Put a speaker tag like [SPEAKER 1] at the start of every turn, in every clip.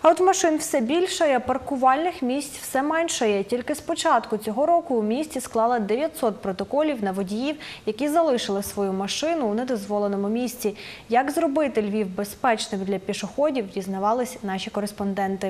[SPEAKER 1] А от машин все більше, а паркувальних місць все менше. Тільки з початку цього року у місті склали 900 протоколів на водіїв, які залишили свою машину у недозволеному місці. Як зробити Львів безпечним для пішоходів, дізнавались наші кореспонденти.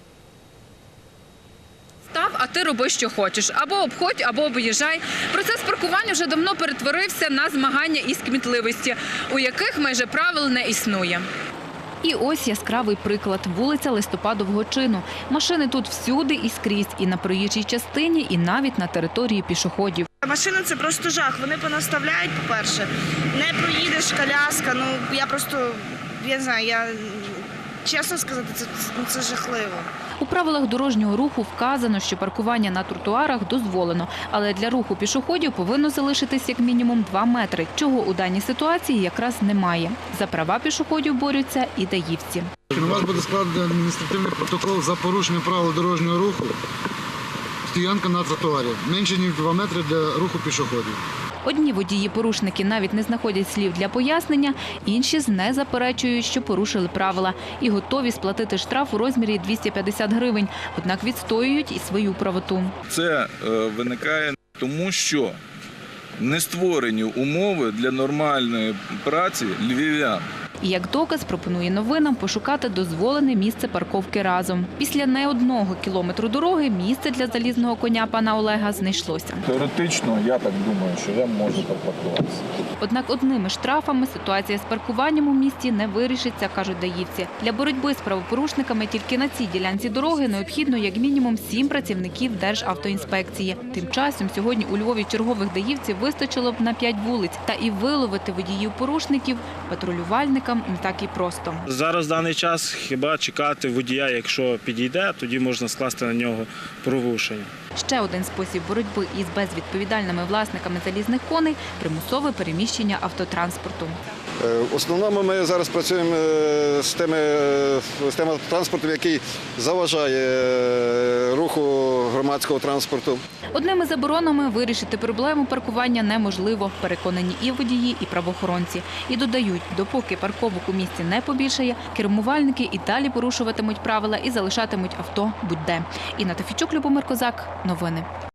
[SPEAKER 2] Став, а ти роби, що хочеш. Або обходь, або об'їжджай. Процес паркування вже давно перетворився на змагання із кмітливості, у яких майже правил не існує. І ось яскравий приклад – вулиця Листопадового чину. Машини тут всюди і скрізь, і на проїжджій частині, і навіть на території пішоходів.
[SPEAKER 3] Машини – це просто жах. Вони понаставляють, по-перше. Не проїдеш, коляска. Я не знаю, чесно сказати, це жахливо.
[SPEAKER 2] У правилах дорожнього руху вказано, що паркування на тротуарах дозволено, але для руху пішоходів повинно залишитись як мінімум 2 метри, чого у даній ситуації якраз немає. За права пішоходів борються і даївці.
[SPEAKER 4] На вас буде складений адміністративний протокол за порушення правил дорожнього руху, стоянка на тротуарі, менше ніж 2 метри для руху пішоходів.
[SPEAKER 2] Одні водії-порушники навіть не знаходять слів для пояснення, інші не заперечують, що порушили правила і готові сплатити штраф у розмірі 250 гривень, однак відстоюють і свою правоту.
[SPEAKER 5] Це виникає тому, що не створені умови для нормальної праці львів'ян.
[SPEAKER 2] І як доказ пропонує новинам пошукати дозволене місце парковки разом. Після не одного кілометру дороги місце для залізного коня пана Олега знайшлося.
[SPEAKER 5] Теоретично, я так думаю, що я можу так паркуватися.
[SPEAKER 2] Однак одними штрафами ситуація з паркуванням у місті не вирішиться, кажуть даївці. Для боротьби з правопорушниками тільки на цій ділянці дороги необхідно як мінімум 7 працівників Державтоінспекції. Тим часом сьогодні у Львові чергових даївців вистачило б на 5 вулиць. Та і виловити водіїв-порушників патрулювальникам не так і просто.
[SPEAKER 6] Зараз в даний час хіба чекати водія, якщо підійде, тоді можна скласти на нього порушення.
[SPEAKER 2] Ще один спосіб боротьби із безвідповідальними власниками залізних коней – примусове переміщення автотранспорту.
[SPEAKER 7] В основному ми зараз працюємо з тим автотранспортом, який заважає руху громадського транспорту.
[SPEAKER 2] Одними заборонами вирішити проблему паркування неможливо, переконані і водії, і правоохоронці. І додають, допоки парковок у місті не побільшає, кермувальники і далі порушуватимуть правила і залишатимуть авто будь-де. Інна Тофійчук, Любомир Козак. Новини.